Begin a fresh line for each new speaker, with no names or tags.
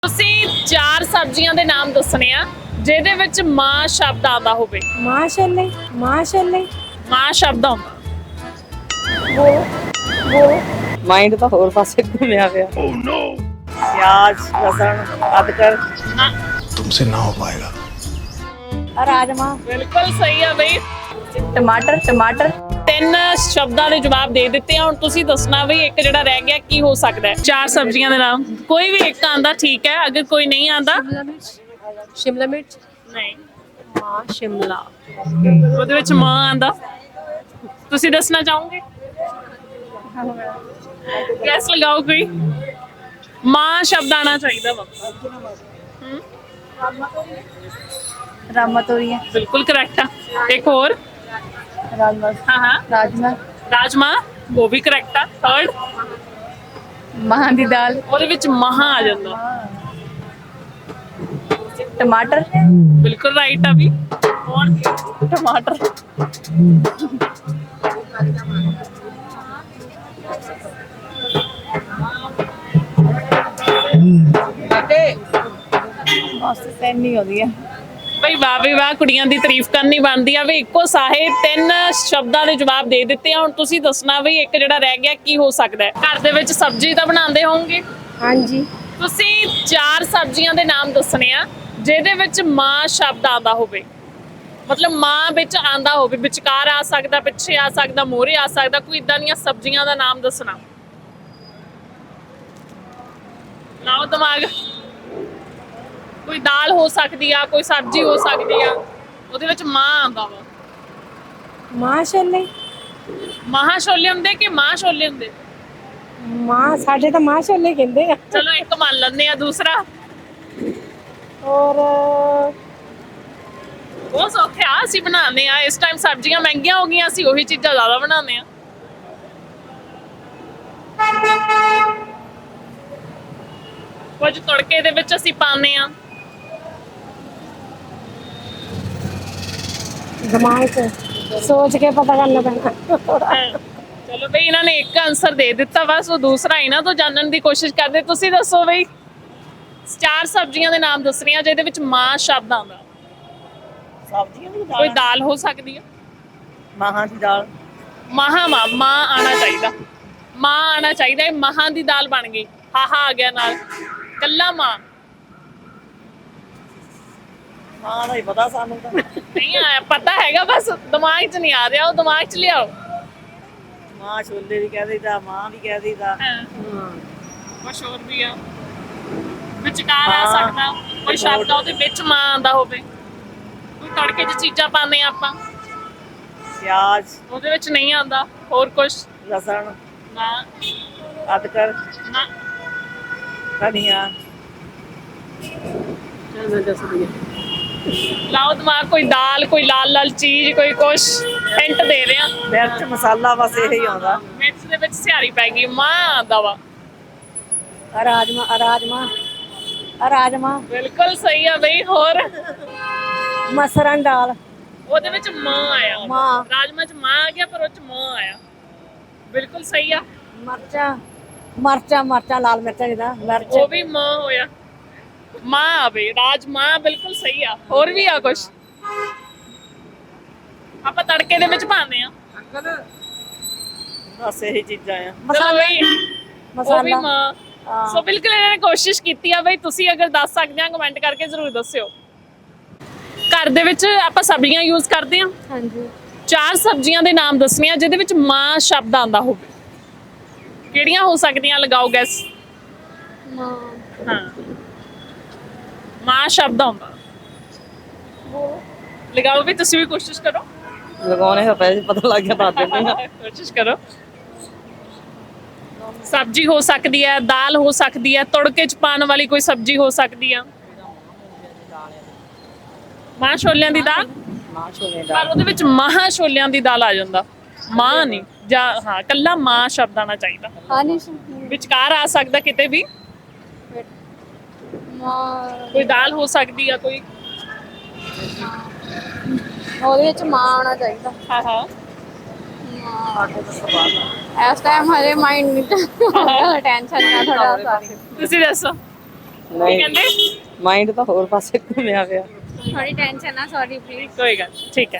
ਤੁਸੀਂ ਚਾਰ ਸਬਜ਼ੀਆਂ ਦੇ ਨਾਮ ਦੱਸਣੇ ਆ ਜਿਹਦੇ ਵਿੱਚ ਮਾਂ ਸ਼ਬਦ ਆਉਂਦਾ ਹੋਵੇ।
ਮਾਸ਼ਾਅੱਲਾ ਮਾਸ਼ਾਅੱਲਾ
ਮਾਂ ਸ਼ਬਦ ਆਉਂਦਾ।
ਉਹ
ਮਾਈਂਡ ਤਾਂ ਹੋਰ ਪਾਸੇ ਘੁੰਮਿਆ ਪਿਆ। ਓਹ ਨੋ। ਪਿਆਜ਼, ਲਸਣ, ਅਦਰਕ।
ਨਾ,
तुमसे ना हो पाएगा।
ਰਾਜਮਾ
ਬਿਲਕੁਲ ਸਹੀ ਆ ਬਈ।
ਟਮਾਟਰ ਟਮਾਟਰ
ਤਿੰਨ ਸ਼ਬਦਾਂ ਦੇ ਜਵਾਬ ਦੇ ਦਿੱਤੇ ਆ। ਹੁਣ ਤੁਸੀਂ ਦੱਸਣਾ ਵੀ ਇੱਕ ਜਿਹੜਾ ਰਹਿ ਗਿਆ ਕੀ ਹੋ ਸਕਦਾ ਹੈ। ਚਾਰ ਸਬਜ਼ੀਆਂ ਦੇ ਨਾਮ ਕੋਈ ਵੀ ਇੱਕ ਆਂਦਾ ਠੀਕ ਹੈ, ਅਗਰ ਕੋਈ ਨਹੀਂ ਆਂਦਾ
ਸ਼ਿਮਲਾ ਮਿਰਚ
ਨਹੀਂ,
ਮਾਂ ਸ਼ਿਮਲਾ
ਉਹਦੇ ਵਿੱਚ ਮਾਂ ਆਂਦਾ। ਤੁਸੀਂ ਦੱਸਣਾ ਚਾਹੋਗੇ? ਗੈਸ ਲਗਾਓ ਕੋਈ। ਮਾਂ ਸ਼ਬਦ ਆਣਾ ਚਾਹੀਦਾ ਵਾ।
ਰਾਮਾ ਤੋਰੀਆਂ
ਬਿਲਕੁਲ ਕਰੈਕਟ ਆ। ਇੱਕ ਹੋਰ।
ਰਾਜਮਾ
ਹਾਂ
ਰਾਜਮਾ
ਰਾਜਮਾ, ਉਹ ਵੀ ਕਰੈਕਟ ਆ। ਥਰਡ,
ਮਾਂ ਦੀ ਦਾਲ
ਉਹਦੇ ਵਿੱਚ ਮਹਾ ਆ ਜਾਂਦਾ।
ਟਮਾਟਰ
ਬਿਲਕੁਲ ਰਾਈਟ ਆ ਵੀ। ਹੋਰ ਟਮਾਟਰ।
ਬਸ ਸੈਨੀ ਹੁੰਦੀ ਆ
ਬਈ ਵਾਹ ਵੀ ਵਾਹ, ਕੁੜੀਆਂ ਦੀ ਤਾਰੀਫ ਕਰਨੀ ਬਣਦੀ ਆ ਵੀ ਇੱਕੋ ਸਾਹੇ ਤਿੰਨ ਸ਼ਬਦਾਂ ਦੇ ਜਵਾਬ ਦੇ ਦਿੱਤੇ ਆ। ਹੁਣ ਤੁਸੀਂ ਦੱਸਣਾ ਵੀ ਇੱਕ ਜਿਹੜਾ ਰਹਿ ਗਿਆ ਕੀ ਹੋ ਸਕਦਾ ਹੈ। ਘਰ ਦੇ ਵਿੱਚ ਸਬਜ਼ੀ ਤਾਂ ਬਣਾਉਂਦੇ ਹੋਵੋਗੇ।
ਹਾਂਜੀ
ਤੁਸੀਂ ਚਾਰ ਸਬਜ਼ੀਆਂ ਦੇ ਨਾਮ ਦੱਸਣੇ ਆ ਜਿਹਦੇ ਵਿੱਚ ਮਾਂ ਸ਼ਬਦ ਆਉਂਦਾ ਹੋਵੇ। ਮਤਲਬ ਮਾਂ ਵਿੱਚ ਆਂਦਾ ਹੋਵੇ, ਵਿਚਕਾਰ ਆ ਸਕਦਾ, ਪਿੱਛੇ ਆ ਸਕਦਾ, ਮੋਹਰੇ ਆ ਸਕਦਾ। ਕੋਈ ਇਦਾਂ ਦੀਆਂ ਸਬਜ਼ੀਆਂ ਦਾ ਨਾਮ ਦੱਸਣਾ। ਲਾਓ ਦਿਮਾਗ। ਕੋਈ ਦਾਲ ਹੋ ਸਕਦੀ ਆ, ਕੋਈ ਸਬਜ਼ੀ ਹੋ ਸਕਦੀ ਆ, ਉਹਦੇ ਵਿੱਚ ਮਾਂ ਆਉਂਦਾ ਵਾ।
ਮਾਸ਼ਾਅੱਲਾ
ਮਹਾਂ ਛੋਲੇ ਹੁੰਦੇ ਕਿ ਮਾਂ ਛੋਲੇ ਹੁੰਦੇ?
ਮਾਂ ਸਾਡੇ ਤਾਂ ਮਾਸ਼ਾਅੱਲਾ ਕਹਿੰਦੇ ਆ।
ਚਲੋ ਇੱਕ ਮੰਨ ਲੈਂਦੇ ਆ। ਦੂਸਰਾ
ਔਰ
ਉਹ ਸੌਖੇ ਆ, ਅਸੀਂ ਬਣਾਉਂਦੇ ਆ। ਇਸ ਟਾਈਮ ਸਬਜ਼ੀਆਂ ਮਹਿੰਗੀਆਂ ਹੋ ਗਈਆਂ, ਅਸੀਂ ਉਹੀ ਚੀਜ਼ਾਂ ਜ਼ਿਆਦਾ ਬਣਾਉਂਦੇ ਆ। ਕੁਝ ਤੜਕੇ ਦੇ ਵਿੱਚ ਅਸੀਂ ਪਾਉਂਦੇ ਆ।
ਦਿਮਾਗ 'ਚ ਸੋਚ ਕੇ ਪਤਾ ਕਰਨਾ ਪੈਣਾ
ਚਲੋ ਬਈ, ਇਹਨਾਂ ਨੇ ਇੱਕ ਆਨਸਰ ਦੇ ਦਿੱਤਾ, ਬਸ ਉਹ ਦੂਸਰਾ ਇਹਨਾਂ ਤੋਂ ਜਾਣਨ ਦੀ ਕੋਸ਼ਿਸ਼ ਕਰਦੇ। ਤੁਸੀਂ ਦੱਸੋ ਬਈ, ਚਾਰ ਸਬਜ਼ੀਆਂ ਦੇ ਨਾਮ ਦੱਸਣੀਆਂ ਜਿਹਦੇ ਵਿੱਚ ਮਾਂ ਸ਼ਬਦ ਆਉਂਦਾ।
ਸਬਜ਼ੀਆਂ ਦੀ
ਕੋਈ ਦਾਲ ਹੋ ਸਕਦੀ ਹੈ।
ਮਾਹਾਂ ਦੀ ਦਾਲ।
ਮਾਂ ਆਣਾ ਚਾਹੀਦਾ। ਮਾਂ ਆਣਾ ਚਾਹੀਦਾ। ਇਹ ਮਹਾਂ ਦੀ ਦਾਲ ਬਣ ਗਈ। ਹਾਹਾ ਆ ਗਿਆ ਨਾਲ। ਕੱਲਾ ਮਾਂ
ਮਾਂ ਦਾ ਹੀ ਪਤਾ ਸਾਨੂੰ ਤਾਂ।
ਨਹੀਂ ਆਇਆ, ਪਤਾ ਹੈਗਾ, ਬਸ ਦਿਮਾਗ 'ਚ ਨਹੀਂ ਆ ਰਿਹਾ। ਉਹ ਦਿਮਾਗ 'ਚ ਲਿਆਓ।
ਮਾਂ ਛੋਲੇ ਵੀ ਕਹਿ ਦਈਦਾ, ਮਾਂ ਵੀ ਕਹਿ ਦਈਦਾ।
ਕੁਛ ਹੋਰ ਵੀ ਆ। ਵਿਚਕਾਰ ਆ ਸਕਦਾ ਕੋਈ ਸ਼ਬਦ ਆ, ਉਹਦੇ ਵਿੱਚ ਮਾਂ ਆਉਂਦਾ ਹੋਵੇ। ਕੋਈ ਤੜਕੇ 'ਚ ਚੀਜ਼ਾਂ ਪਾਉਂਦੇ ਆ ਆਪਾਂ,
ਪਿਆਜ਼,
ਉਹਦੇ ਵਿੱਚ ਨਹੀਂ ਆਉਂਦਾ। ਹੋਰ ਕੁਛ
ਲਸਣ,
ਨਾ
ਅਦਰਕ,
ਨਾ।
ਧਨੀਆ।
ਲਾਓ ਦਿਮਾਗ। ਕੋਈ ਦਾਲ, ਕੋਈ ਲਾਲ ਲਾਲ ਚੀਜ਼, ਕੋਈ ਕੁਛ ਹਿੰਟ ਦੇ ਰਿਹਾ।
ਮਿਰਚ ਮਸਾਲਾ ਬਸ ਇਹੀ ਆਉਂਦਾ।
ਮਿਰਚ ਦੇ ਵਿੱਚ ਸਿਹਾਰੀ ਪੈ ਗਈ। ਮਾਂ ਆਉਂਦਾ ਵਾ।
ਰਾਜਮਾ ਰਾਜਮਾ ਰਾਜਮਾ
ਬਿਲਕੁਲ ਸਹੀ ਆ ਬਈ। ਹੋਰ
ਮਸਰਾਂ ਦੀ ਦਾਲ
ਉਹਦੇ ਵਿੱਚ ਮਾਂ ਆਇਆ।
ਮਾਂ।
ਰਾਜਮਾ 'ਚ ਮਾਂ ਆ ਗਿਆ, ਪਰ ਉਹ 'ਚ ਮਾਂ ਆਇਆ। ਬਿਲਕੁਲ ਸਹੀ ਆ।
ਮਰਚਾਂ ਲਾਲ ਮਿਰਚਾਂ ਜਿਹਦਾ ਮਿਰਚ
ਉਹ ਵੀ ਮਾਂ ਹੋਇਆ। ਮਾਂ ਆਵੇ। ਰਾਜਮਾ ਬਿਲਕੁਲ ਸਹੀ ਆ। ਹੋਰ ਵੀ ਆ ਕੁਛ ਆਪਾਂ ਤੜਕੇ ਦੇ ਵਿੱਚ ਪਾਉਂਦੇ ਆ।
ਬਸ ਇਹੀ ਚੀਜ਼ਾਂ ਆ।
ਚਲੋ ਬਈ, ਉਹ ਵੀ ਮਾਂ। ਸੋ ਬਿਲਕੁਲ ਇਹਨਾਂ ਨੇ ਕੋਸ਼ਿਸ਼ ਕੀਤੀ ਆ ਬਈ। ਤੁਸੀਂ ਅਗਰ ਦੱਸ ਸਕਦੇ ਆ ਕਮੈਂਟ ਕਰਕੇ ਜ਼ਰੂਰ ਦੱਸਿਓ। ਘਰ ਦੇ ਵਿੱਚ ਆਪਾਂ ਸਬਜ਼ੀਆਂ ਯੂਜ਼ ਕਰਦੇ ਆ।
ਹਾਂਜੀ
ਚਾਰ ਸਬਜ਼ੀਆਂ ਦੇ ਨਾਮ ਦੱਸਣੇ ਆ ਜਿਹਦੇ ਵਿੱਚ ਮਾਂ ਸ਼ਬਦ ਆਉਂਦਾ ਹੋਵੇ। ਕਿਹੜੀਆਂ ਹੋ ਸਕਦੀਆਂ? ਲਗਾਓ ਗੈਸ।
ਮਾਂ
ਹਾਂ, ਮਾਂ ਸ਼ਬਦ ਆਉਂਦਾ। ਲਗਾਓ ਵੀ, ਤੁਸੀਂ ਵੀ ਕੋਸ਼ਿਸ਼ ਕਰੋ।
ਲਗਾਉਣੇ ਤਾਂ ਪੈਸੇ ਪਤਾ ਲੱਗ ਗਿਆ ਦੱਸ ਦਿੰਦੇ ਆ।
ਕੋਸ਼ਿਸ਼ ਕਰੋ। ਸਬਜ਼ੀ ਹੋ ਸਕਦੀ ਹੈ, ਦਾਲ ਹੋ ਸਕਦੀ ਹੈ, ਤੜਕੇ 'ਚ ਪਾਉਣ ਵਾਲੀ ਕੋਈ ਸਬਜ਼ੀ ਹੋ ਸਕਦੀ ਆ। ਮਾਂ ਛੋਲਿਆਂ ਦੀ ਦਾਲ,
ਮਾਂ ਛੋਲੇ
ਪਰ ਉਹਦੇ ਵਿੱਚ ਮਾਂ ਛੋਲਿਆਂ ਦੀ ਦਾਲ ਆ ਜਾਂਦਾ। ਮਾਂ ਨਹੀਂ, ਜਾਂ ਹਾਂ ਕੱਲਾ ਮਾਂ ਸ਼ਬਦ ਆਣਾ ਚਾਹੀਦਾ। ਵਿਚਕਾਰ ਆ ਸਕਦਾ ਕਿਤੇ ਵੀ। ਕੋਈ ਦਾਲ ਹੋ ਸਕਦੀ ਆ, ਕੋਈ
ਉਹਦੇ ਵਿੱਚ ਮਾਂ ਆਉਣਾ ਚਾਹੀਦਾ।
ਹਾਂ
ਇਸ ਟਾਈਮ ਹਜੇ ਮਾਈਂਡ ਨਹੀਂ ਟੈਨਸ਼ਨ ਨਾ ਥੋੜਾ
ਤੁਸੀਂ ਦੱਸੋ। ਕੀ
ਨਹੀਂ
ਕਹਿੰਦੇ
ਮਾਈਂਡ ਤਾਂ ਹੋਰ ਪਾਸੇ ਘੁੰਮਿਆ ਪਿਆ
ਥੋੜੀ ਟੈਨਸ਼ਨ ਆ ਸੌਰੀ ਪਲੀਜ਼
ਕੋਈ ਗੱਲ ਨੀ, ਠੀਕ ਹੈ